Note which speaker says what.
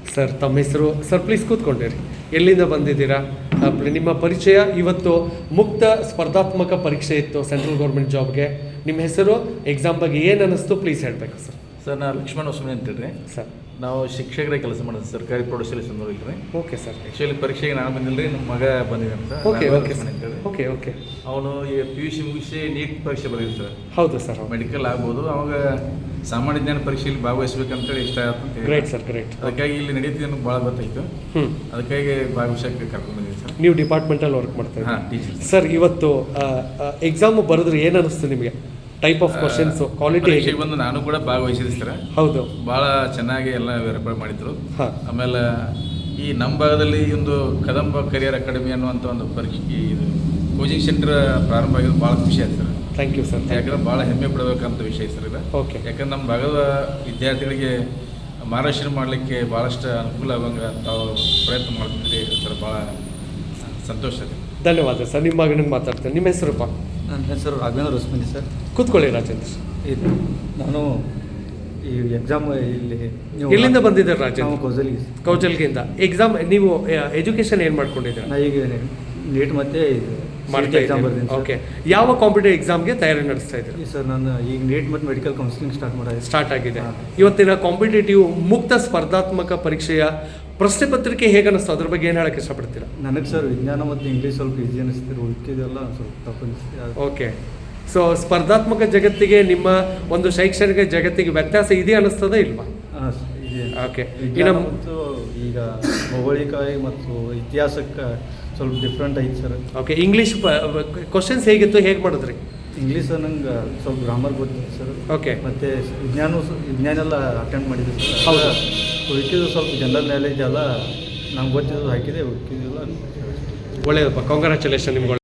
Speaker 1: Sir ತಮ್ಮ ಹೆಸರು sir please ಕೂತ್ಕೊಂಡಿರಿ. ಎಲ್ಲಿಂದ ಬಂದಿದ್ದೀರಾ? ನಿಮ್ಮ ಪರಿಚಯ. ಇವತ್ತು ಮುಕ್ತ ಸ್ಪರ್ಧಾತ್ಮಕ ಪರೀಕ್ಷೆ ಇತ್ತು ಸೆಂಟ್ರಲ್ ಗೌರ್ಮೆಂಟ್ ಜಾಬ್ಗೆ. ನಿಮ್ಮ ಹೆಸರು, ಎಕ್ಸಾಮ್ ಬಗ್ಗೆ ಏನು ಅನ್ನಿಸ್ತು ಪ್ಲೀಸ್ ಹೇಳಬೇಕು ಸರ್.
Speaker 2: ಸರ್ ನಾನು ಲಕ್ಷ್ಮಣ ಹೊಸಮನಿ ಅಂತೇಳಿ
Speaker 1: ಸರ್.
Speaker 2: ನಾವು ಶಿಕ್ಷಕರೇ ಕೆಲಸ ಮಾಡೋದು ಸರ್ಕಾರಿ ಪ್ರೌಢಶಾಲೆ ಸಂದೂರಲ್ಲಿ ರೀ.
Speaker 1: Okay sir.
Speaker 2: ಆ್ಯಕ್ಚುಲಿ ಪರೀಕ್ಷೆಗೆ ನಾನು ಬಂದಿಲ್ಲ ರೀ, ನಮ್ಮ ಮಗ ಬಂದಿದ್ದಾನೆ ಸರ್.
Speaker 1: ಓಕೆ ಓಕೆ
Speaker 2: ಅಂತೇಳಿ.
Speaker 1: Okay okay.
Speaker 2: ಅವನು ಈಗ PUC ಮುಗಿಸಿ ನೀಟ್ ಪರೀಕ್ಷೆ ಬರೀರಿ ಸರ್.
Speaker 1: ಹೌದು ಸರ್.
Speaker 2: ಮೆಡಿಕಲ್ ಆಗ್ಬೋದು. ಅವಾಗ ಸಾಮಾನ್ಯ ಜ್ಞಾನ ಪರೀಕ್ಷೆಯಲ್ಲಿ ಭಾಗವಹಿಸ್ಬೇಕಂತೇಳಿ ಇಷ್ಟ ಆಯ್ತು ಅಂತ.
Speaker 1: Great sir, great.
Speaker 2: ಅದಕ್ಕಾಗಿ ಇಲ್ಲಿ ನಡೀತಿದೆ ಅನ್ನೋದು ಭಾಳ ಗೊತ್ತಾಯಿತು. ಅದಕ್ಕಾಗಿ ಭಾಗವಹಿಸಕ್ಕೆ ಕರ್ಕೊಂಡು ಬಂದಿದ್ದೀನಿ ಸರ್.
Speaker 1: ನೀವು ಡಿಪಾರ್ಟ್ಮೆಂಟಲ್ಲಿ ವರ್ಕ್ ಮಾಡ್ತಾ ಇದ್ದೀರಾ?
Speaker 2: ಹಾಂ, ಟೀಚರ್
Speaker 1: ಸರ್. ಇವತ್ತು ಎಕ್ಸಾಮ್ ಬರೆದ್ರೆ ಏನು ಅನ್ನಿಸ್ತು ನಿಮಗೆ? ಟೈಪ್ ಆಫ್ ಕ್ವಶನ್ಸು, ಕ್ವಾಲಿಟಿ ಹೇಗೆ
Speaker 2: ಬಂದು ನಾನು ಕೂಡ ಭಾಗವಹಿಸಿದೆ ಸರ್.
Speaker 1: ಹೌದು,
Speaker 2: ಭಾಳ ಚೆನ್ನಾಗಿ ಎಲ್ಲ ವೆರಿಫೈ ಮಾಡಿದ್ರು.
Speaker 1: ಹಾಂ.
Speaker 2: ಆಮೇಲೆ ಈ ನಮ್ಮ ಭಾಗದಲ್ಲಿ ಒಂದು ಕದಂಬ ಕರಿಯರ್ ಅಕಾಡೆಮಿ ಅನ್ನುವಂಥ ಒಂದು ಪರೀಕ್ಷೆ ಇದು ಕೋಚಿಂಗ್ ಸೆಂಟರ್ ಪ್ರಾರಂಭ ಆಗಿದ್ದು ಭಾಳ ಖುಷಿ ಆಯ್ತು ಸರ್.
Speaker 1: Thank you sir.
Speaker 2: ಯಾಕಂದ್ರೆ ಭಾಳ ಹೆಮ್ಮೆ ಪಡಬೇಕಂತ ವಿಷಯ ಸರ್ ಇದು.
Speaker 1: ಓಕೆ.
Speaker 2: ಯಾಕಂದ್ರೆ ನಮ್ಮ ಭಾಗದ ವಿದ್ಯಾರ್ಥಿಗಳಿಗೆ ಮಾರ್ಗದರ್ಶನ ಮಾಡಲಿಕ್ಕೆ ಭಾಳಷ್ಟು ಅನುಕೂಲ ಆಗೋಂಗೆ ತಾವು ಪ್ರಯತ್ನ ಮಾಡ್ತಿದ್ರಿ ಸರ್. ಭಾಳ ಸಂತೋಷ ಇದೆ.
Speaker 1: ಧನ್ಯವಾದ ಸರ್. ನಿಮ್ಮ ಮಗನಿಗೆ ಮಾತಾಡ್ತೇನೆ. ನಿಮ್ಮ ಹೆಸರಪ್ಪ?
Speaker 3: ನನ್ನ ಹೆಸರು ರಾಘವೇಂದ್ರ ಹೊಸಮನಿ ಸರ್.
Speaker 1: ಕೂತ್ಕೊಳ್ಳಿ ರಾಜೇಂದ್ರ.
Speaker 3: ಇದು ನಾನು ಈ ಎಕ್ಸಾಮ್ ಇಲ್ಲಿ
Speaker 1: ಎಲ್ಲಿಂದ ಬಂದಿದ್ದೀರಾ ರಾಜೇಂದ್ರ?
Speaker 3: ನಾವು
Speaker 1: ಕೌಜಲ್ಗಿಂದ. ಎಕ್ಸಾಮ್ ನೀವು ಎಜುಕೇಶನ್ ಏನು ಮಾಡ್ಕೊಂಡಿದ್ದೀರಾ?
Speaker 3: ನಾ ಈಗ ನೀಟ್ ಮತ್ತೆ
Speaker 1: ಮಾಡ್ತಾ
Speaker 3: ಎಕ್ಸಾಮ್
Speaker 1: ಇದ್ದೀನಿ.
Speaker 3: ಬರ್ತೀನಿ.
Speaker 1: ಓಕೆ. ಯಾವ ಕಾಂಪಿಟೇಟಿವ್ ಎಕ್ಸಾಮ್ಗೆ ತಯಾರಿ ನಡೆಸ್ತಾ ಇದ್ದೀರಾ?
Speaker 3: ಸರ್ ನಾನು ಈಗ ನೀಟ್ ಮತ್ತು ಮೆಡಿಕಲ್ ಕೌನ್ಸಿಲಿಂಗ್ ಸ್ಟಾರ್ಟ್
Speaker 1: ಆಗಿದೆ. ಇವತ್ತಿನ ಕಾಂಪಿಟೇಟಿವ್ ಮುಕ್ತ ಸ್ಪರ್ಧಾತ್ಮಕ ಪರೀಕ್ಷೆಯ ಪ್ರಶ್ನೆ ಪತ್ರಿಕೆ ಹೇಗೆ ಅನ್ನಿಸ್ತು? ಅದ್ರ ಬಗ್ಗೆ ಏನು ಹೇಳಕ್ಕೆ ಇಷ್ಟಪಡ್ತೀರಾ?
Speaker 3: ನನಗೆ ಸರ್ ವಿಜ್ಞಾನ ಮತ್ತು ಇಂಗ್ಲೀಷ್ ಸ್ವಲ್ಪ ಈಸಿ ಅನಿಸ್ತಿರು, ಉಳ್ಕಿದೆಲ್ಲ ಸ್ವಲ್ಪ ತಪ್ಪು ಅನಿಸ್ತಿದೆ.
Speaker 1: ಓಕೆ. ಸೊ ಸ್ಪರ್ಧಾತ್ಮಕ ಜಗತ್ತಿಗೆ ನಿಮ್ಮ ಒಂದು ಶೈಕ್ಷಣಿಕ ಜಗತ್ತಿಗೆ ವ್ಯತ್ಯಾಸ ಇದೆ ಅನ್ನಿಸ್ತದ ಇಲ್ವಾ?
Speaker 3: ಇದೆ.
Speaker 1: ಓಕೆ.
Speaker 3: ವಿಜ್ಞಾನ ಮತ್ತು ಈಗ ಭೌಗೋಳಿಕ ಮತ್ತು ಇತಿಹಾಸಕ್ಕೆ ಸ್ವಲ್ಪ ಡಿಫ್ರೆಂಟ್ ಐತೆ ಸರ್.
Speaker 1: ಓಕೆ. ಇಂಗ್ಲೀಷ್ ಕ್ವಶನ್ಸ್ ಹೇಗಿತ್ತು, ಹೇಗೆ ಮಾಡಿದ್ರಿ?
Speaker 3: ಇಂಗ್ಲೀಷ್ ನಂಗೆ ಸ್ವಲ್ಪ ಗ್ರಾಮರ್ ಗೊತ್ತಿತ್ತು ಸರ್.
Speaker 1: ಓಕೆ.
Speaker 3: ಮತ್ತು ವಿಜ್ಞಾನ ಎಲ್ಲ ಅಟೆಂಡ್ ಮಾಡಿದ್ದೆ ಸರ್.
Speaker 1: ಹೌದಾ?
Speaker 3: ಉಳ್ಕಿದ್ದು ಸ್ವಲ್ಪ ಜನರಲ್ ನಾಲೆಜ್ ಎಲ್ಲ ನಂಗೆ ಗೊತ್ತಿದ್ದು ಹಾಕಿದೆ, ಉಳ್ಕಿದ್ದೆಲ್ಲ
Speaker 1: ಒಳ್ಳೆಯದಪ್ಪ. ಕಾಂಗ್ರ್ಯಾಚುಲೇಷನ್ ನಿಮ್ಗೆ.